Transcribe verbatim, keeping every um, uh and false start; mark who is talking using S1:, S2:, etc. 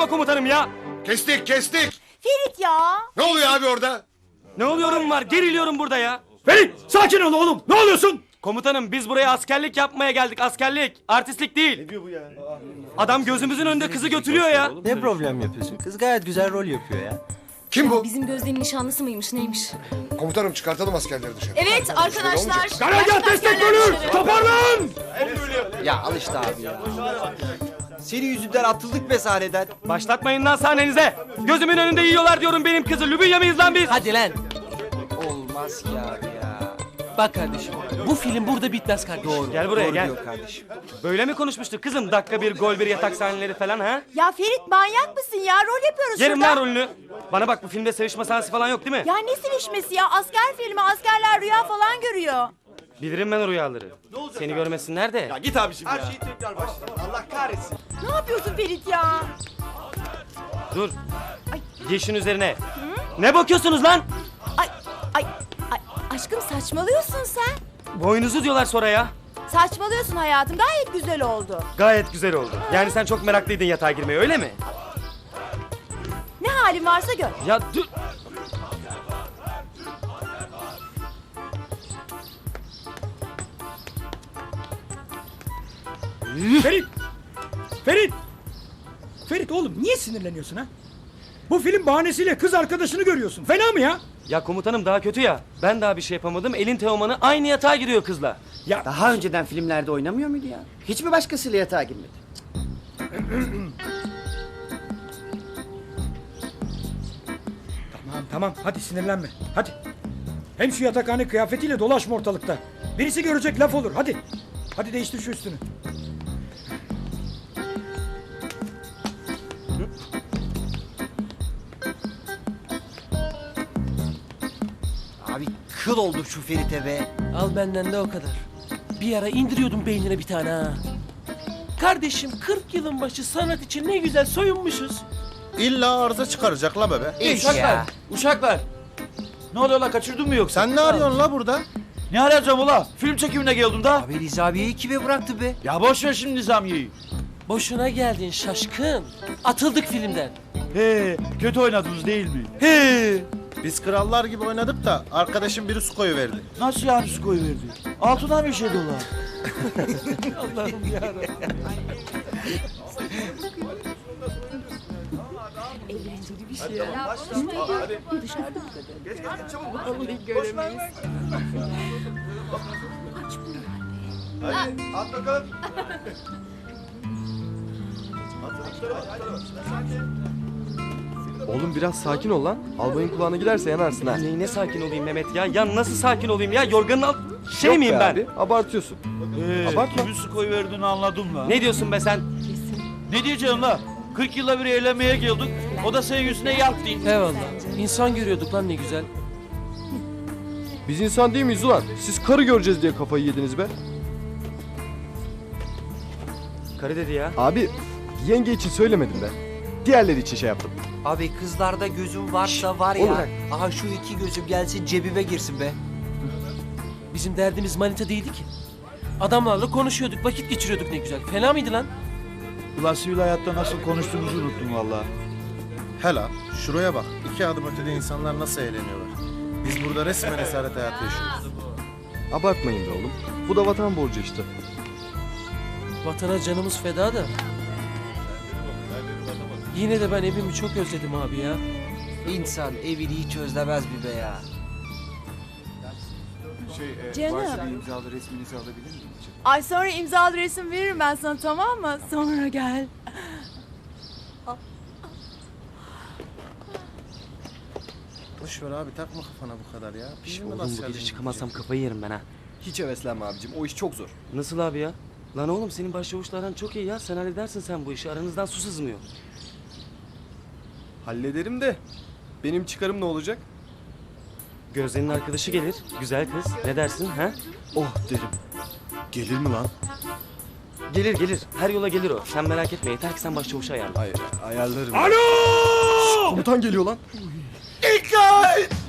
S1: komutanım ya.
S2: Kestik kestik.
S3: Ferit ya.
S2: Ne oluyor abi orada?
S1: Ne oluyorum var? Geriliyorum burada ya.
S4: Ferit sakin ol oğlum. Ne oluyorsun?
S1: Komutanım biz buraya askerlik yapmaya geldik. Askerlik. Artistlik değil. Ne diyor bu ya? Adam gözümüzün önünde kızı götürüyor ya.
S5: Ne problem yapıyorsun? Kız gayet güzel rol yapıyor ya.
S2: Kim bu?
S6: Bizim Gözde'nin nişanlısı mıymış neymiş?
S2: Komutanım çıkartalım askerleri dışarı.
S6: Evet arkadaşlar.
S4: Karargah destek bölür. Toparlan.
S5: Ya al işte abi ya. Senin yüzünden atıldık be sahneden.
S1: Başlatmayın lan sahnenize. Gözümün önünde yiyorlar diyorum benim kızı. Lübünya mıyız lan biz?
S5: Hadi lan. Olmaz ki abi ya.
S7: Bak kardeşim, bu film burada bitmez kardeşim.
S5: Doğru.
S1: Gel buraya,
S5: doğru
S1: gel.
S5: diyor kardeşim.
S1: Böyle mi konuşmuştuk kızım? Dakika bir, gol bir, yatak sahneleri falan ha?
S3: Ya Ferit manyak mısın ya? Rol yapıyoruz
S1: Yerim
S3: şurada.
S1: lan rolünü. Bana bak bu filmde sevişme sahnesi falan yok değil mi?
S3: Ya ne sevişmesi ya? Asker filmi, askerler rüya falan görüyor.
S1: Bilirim ben o rüyaları. Seni görmesinler de.
S4: Git abiciğim ya. Her şeyi tekrar başla. Allah kahretsin.
S3: Ne yapıyorsun Ferit ya?
S1: Dur. Geçin üzerine. Ne bakıyorsunuz lan?
S3: Ay, ay, ay, aşkım saçmalıyorsun sen.
S1: Boynuzu diyorlar sonra ya.
S3: Saçmalıyorsun hayatım. Gayet güzel oldu.
S1: Gayet güzel oldu. Yani sen çok meraklıydın yatağa girmeye öyle mi?
S3: Ne halin varsa gör.
S1: Ya dur.
S4: Ferit. Ferit. Ferit oğlum niye sinirleniyorsun ha? Bu film bahanesiyle kız arkadaşını görüyorsun. Fena mı ya?
S1: Ya komutanım daha kötü ya. Ben daha bir şey yapamadım. Elin Teoman'ı aynı yatağa giriyor kızla.
S4: Ya
S8: Daha önceden filmlerde oynamıyor muydu ya? Hiç mi başkasıyla yatağa girmedi?
S4: tamam tamam hadi sinirlenme. Hadi. Hem şu yatakhane kıyafetiyle dolaşma ortalıkta. Birisi görecek laf olur hadi. Hadi değiştir şu üstünü.
S5: Abi kıl oldu şu Ferit'e be.
S7: Al benden de o kadar. Bir ara indiriyordum beynine bir tane ha. Kardeşim kırk yılın başı sanat için ne güzel soyunmuşuz.
S9: İlla arıza çıkaracak la bebe.
S5: İş ya.
S10: Uşaklar. Ne oluyor la kaçırdın mı yoksa?
S9: Sen ne arıyorsun la burada?
S10: Ne arayacağım ula? Film çekimine geldim da.
S5: Abi Rizabiye'yi kime bıraktı be?
S10: Ya boş ver şimdi Nizamiye'yi.
S7: Boşuna geldin şaşkın. Atıldık filmden.
S10: He, kötü oynadınız değil mi?
S7: He.
S9: Biz krallar gibi oynadık da arkadaşım biri su koyuverdi.
S10: Nasıl yani su koyuverdi? Altından bir şey dolu.
S7: Allah'ım yarabbim.
S9: At bakalım.
S11: Oğlum biraz sakin ol lan. Albayın kulağına giderse yanarsın ha.
S1: Neyine sakin olayım Mehmet ya? Ya nasıl sakin olayım ya? Yorganın alt... Şey
S11: Yok
S1: miyim
S11: be
S1: ben?
S11: Abi, abartıyorsun.
S10: He,
S11: Abartma.
S10: kimin su koyuverdiğini anladım la.
S1: Ne diyorsun be sen?
S10: Ne diyeceğim la? kırk yılda bir eğlenmeye geldik. O da senin yüzüne yaktı.
S7: Eyvallah. İnsan görüyorduk lan ne güzel.
S11: Biz insan değil miyiz ulan? Siz karı göreceğiz diye kafayı yediniz be.
S1: Karı dedi ya.
S11: Abi yenge için söylemedim ben. Diğerleri için şey yaptım.
S5: Abi kızlarda gözüm varsa var
S11: oğlum
S5: ya.
S11: bırak.
S5: Aha şu iki gözüm gelsin cebime girsin be.
S7: Bizim derdimiz manita değildi ki. Adamlarla konuşuyorduk, vakit geçiriyorduk ne güzel. Fena mıydı lan?
S10: Ulan sivil hayatta nasıl konuştuğumuzu unuttum valla.
S9: Hela şuraya bak. İki adım ötede insanlar nasıl eğleniyorlar. Biz burada resmen esaret hayatı yaşıyoruz.
S11: Abartmayın be oğlum. Bu da vatan borcu işte.
S7: Vatana canımız feda da. Yine de ben evimi çok özledim abi ya.
S5: İnsan evini hiç özlemez mi be ya?
S3: Canım. Ay sonra imzalı resim veririm ben sana tamam mı? Sonra gel.
S9: Boş ver abi takma kafana bu kadar ya.
S1: Şş,
S9: Bizim de
S1: oğlum bu
S9: askerliğimiz
S1: gece çıkamazsam
S9: bitecek.
S1: kafayı yerim ben ha.
S11: Hiç heveslenme abicim. O iş çok zor.
S1: Nasıl abi ya? Lan oğlum senin başçavuşlardan çok iyi ya. Sen halledersin sen bu işi. Aranızdan su sızmıyor.
S11: Hallederim de. Benim çıkarım ne olacak?
S1: Gözde'nin arkadaşı gelir. Güzel kız. Ne dersin ha?
S11: Oh derim.
S9: Gelir mi lan?
S1: Gelir gelir. Her yola gelir o. Sen merak etme. Yeter ki sen başçavuşu ayarla.
S11: Ay, ayarlarım.
S4: Alo!
S11: Komutan geliyor lan.
S4: Dikkat!